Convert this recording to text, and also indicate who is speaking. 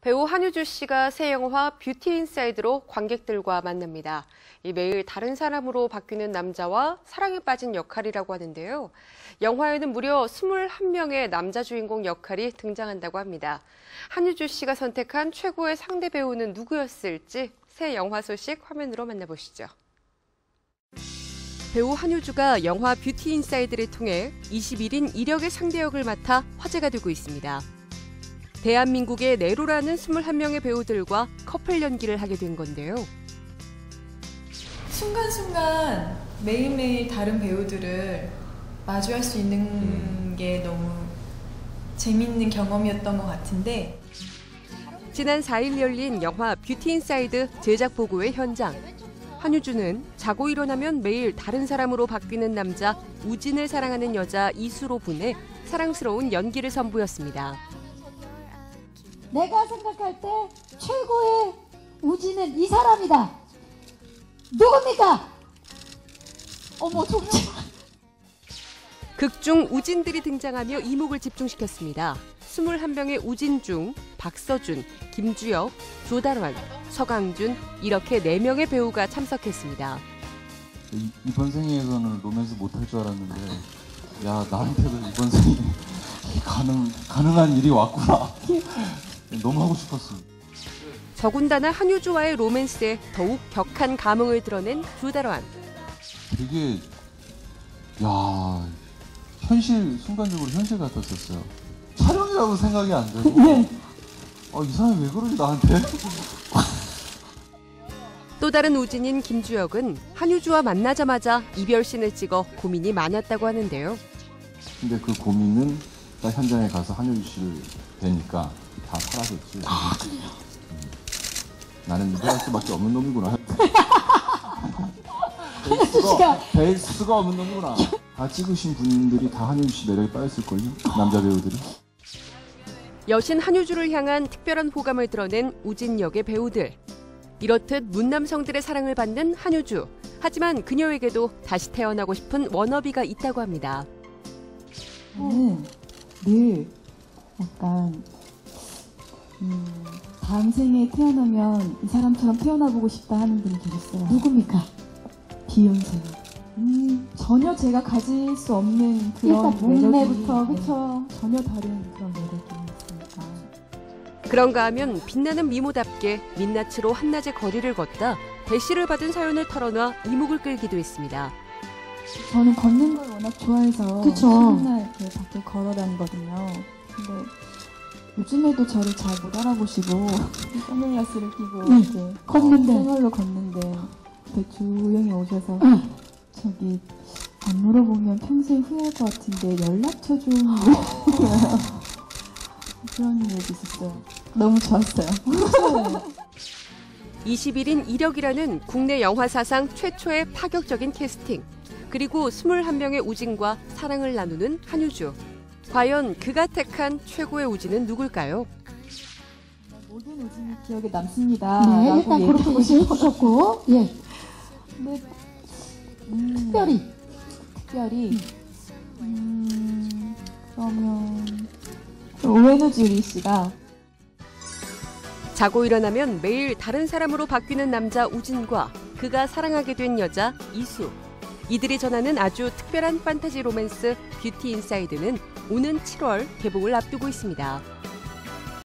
Speaker 1: 배우 한효주 씨가 새 영화 뷰티 인사이드로 관객들과 만납니다. 매일 다른 사람으로 바뀌는 남자와 사랑에 빠진 역할이라고 하는데요. 영화에는 무려 21명의 남자 주인공 역할이 등장한다고 합니다. 한효주 씨가 선택한 최고의 상대 배우는 누구였을지 새 영화 소식 화면으로 만나보시죠. 배우 한효주가 영화 뷰티 인사이드를 통해 21인 1역의 상대 역을 맡아 화제가 되고 있습니다. 대한민국의 네로라는 21명의 배우들과 커플 연기를 하게 된 건데요.
Speaker 2: 순간순간 매일매일 다른 배우들을 마주할 수 있는 게 너무 재밌는 경험이었던 것 같은데,
Speaker 1: 지난 4일 열린 영화 뷰티 인사이드 제작 보고회 현장. 한효주는 자고 일어나면 매일 다른 사람으로 바뀌는 남자 우진을 사랑하는 여자 이수로 분해 사랑스러운 연기를 선보였습니다.
Speaker 3: 내가 생각할 때 최고의 우진은 이 사람이다. 누굽니까? 어머, 정말.
Speaker 1: 극중 우진들이 등장하며 이목을 집중시켰습니다. 21명의 우진 중 박서준, 김주혁, 조달환, 서강준 이렇게 4명의 배우가 참석했습니다.
Speaker 4: 이번 생에서는 로맨스 못할 줄 알았는데 야, 나한테도 이번 생에 가능한 일이 왔구나. 너무 하고 싶었습니다.
Speaker 1: 더군다나 한효주와의 로맨스에 더욱 격한 감흥을 드러낸 조달환.
Speaker 4: 되게 순간적으로 현실 같았었어요. 촬영이라고 생각이 안 되고 이 사람이 왜 그러지 나한테?
Speaker 1: 또 다른 우진인 김주혁은 한효주와 만나자마자 이별신을 찍어 고민이 많았다고 하는데요.
Speaker 4: 근데 그 고민은 딱 현장에 가서 한효주 씨를 뵈니까 다 사라졌지.
Speaker 3: 아, 그래요?
Speaker 4: 나는 이별할 수밖에 없는 놈이구나.
Speaker 3: 씨가
Speaker 4: 뵐 수가 없는 놈이구나. 다 찍으신 분들이 다 한효주 씨 매력에 빠졌을걸요? 남자 배우들이.
Speaker 1: 여신 한효주를 향한 특별한 호감을 드러낸 우진 역의 배우들. 이렇듯 문남성들의 사랑을 받는 한효주. 하지만 그녀에게도 다시 태어나고 싶은 워너비가 있다고 합니다.
Speaker 5: 저는 늘 약간 다음 생에 태어나면 이 사람처럼 태어나보고 싶다 하는 분이 계셨어요.
Speaker 3: 누굽니까?
Speaker 5: 비욘세. 전혀 제가 가질 수 없는 그런
Speaker 3: 일단 몸매부터,
Speaker 5: 매력이,
Speaker 3: 그쵸?
Speaker 5: 전혀 다른 그런 매력이 있으니까.
Speaker 1: 그런가 하면 빛나는 미모답게 민낯으로 한낮의 거리를 걷다 대시를 받은 사연을 털어놔 이목을 끌기도 했습니다.
Speaker 5: 저는 걷는 걸 워낙 좋아해서
Speaker 3: 그쵸.
Speaker 5: 맨날 이렇게 밖에 걸어 다니거든요. 근데 요즘에도 저를 잘 못 알아보시고 선글라스를 끼고 이렇게
Speaker 3: 걷는데.
Speaker 5: 생얼로 걷는데 이렇게 조용히 오셔서 저기 안 물어보면 평생 후회할 것 같은데 연락처 좀 그런 얘기 있었어요. 너무 좋았어요.
Speaker 1: 21인 1역이라는 국내 영화 사상 최초의 파격적인 캐스팅. 그리고 21명의 우진과 사랑을 나누는 한효주. 과연 그가 택한 최고의 우진은 누굴까요?
Speaker 5: 모든 우진이 기억에 남습니다.
Speaker 3: 네, 일단 그렇게 보셨고, 예.
Speaker 5: 근데
Speaker 3: 특별히.
Speaker 5: 그러면 오웬우주리 씨가
Speaker 1: 자고 일어나면 매일 다른 사람으로 바뀌는 남자 우진과 그가 사랑하게 된 여자 이수. 이들이 전하는 아주 특별한 판타지 로맨스 뷰티 인사이드는 오는 7월 개봉을 앞두고 있습니다.